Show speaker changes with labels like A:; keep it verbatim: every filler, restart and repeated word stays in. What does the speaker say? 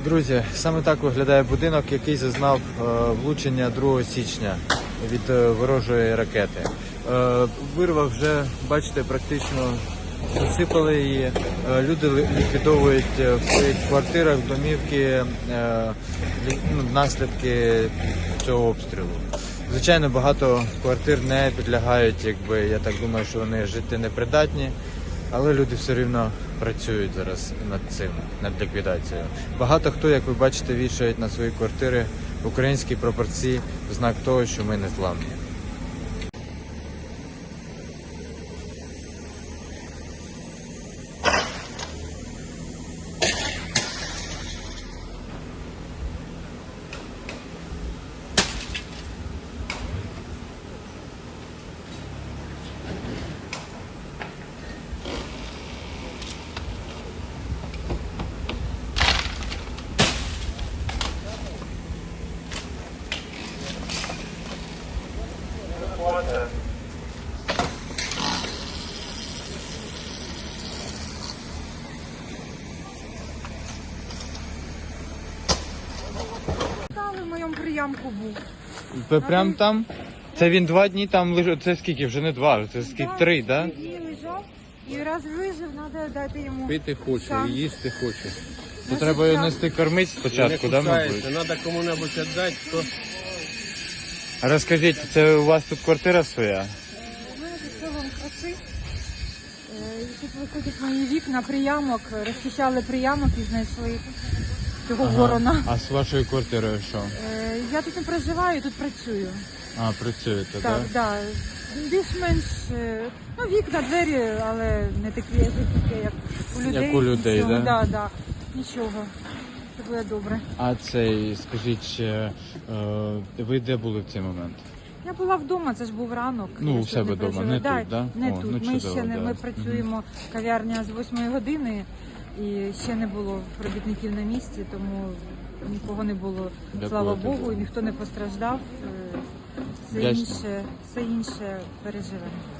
A: Друзі, саме так виглядає будинок, який зазнав е, влучення другого січня від е, ворожої ракети. Е, вирва вже, бачите, практично засипали її. Е, люди ли- ліквідовують е, в своїх квартирах домівки е, лі- ну, наслідки цього обстрілу. Звичайно, багато квартир не підлягають, якби я так думаю, що вони жити непридатні. Але люди все рівно працюють зараз над цим, над ліквідацією. Багато хто, як ви бачите, вішають на свої квартири українські прапорці в знак того, що ми не зламні.
B: В моєму приямку був.
A: Прямо там? Це він два дні там лежав. Це скільки? Вже не два, це скільки? Три, так? Да?
B: Три лежав і раз вижив, треба дати йому.
C: Пити хоче,
B: шанс.
C: і їсти хоче.
A: То
B: Значить,
A: треба його
B: так.
A: нести кормити спочатку, да, мабуть?
C: Треба кому-небудь віддати, то
A: А розкажіть, це у вас тут квартира своя?
B: У мене тут селом краси. Е, і Тут виходять мої вікна, приямок, розчищали приямок і знайшли цього ворона.
A: А з вашою квартирою що?
B: Е, Я тут не проживаю, тут працюю.
A: А, працюєте, так?
B: Так, так. Більш-менш, е, ну, вікна, двері, але не такі жорсткі, як у людей.
A: Як у людей,
B: Нічого,
A: да?
B: Да, да. Нічого. Це буде добре.
A: А цей, скажіть, ще, е, ви де були в цей момент?
B: Я була вдома, це ж був ранок.
A: Ну,
B: я
A: у
B: тут
A: себе
B: не
A: вдома,
B: проживаю.
A: не
B: да,
A: тут, да?
B: Не
A: О,
B: тут.
A: ну,
B: ми
A: чудово,
B: ще не
A: да.
B: ми працюємо кав'ярня з восьмої години і ще не було робітників на місці, тому нікого не було.
A: Дякую,
B: Слава
A: дякую.
B: Богу, і ніхто не постраждав. Е, Все
A: Вдячний.
B: інше, все інше переживемо.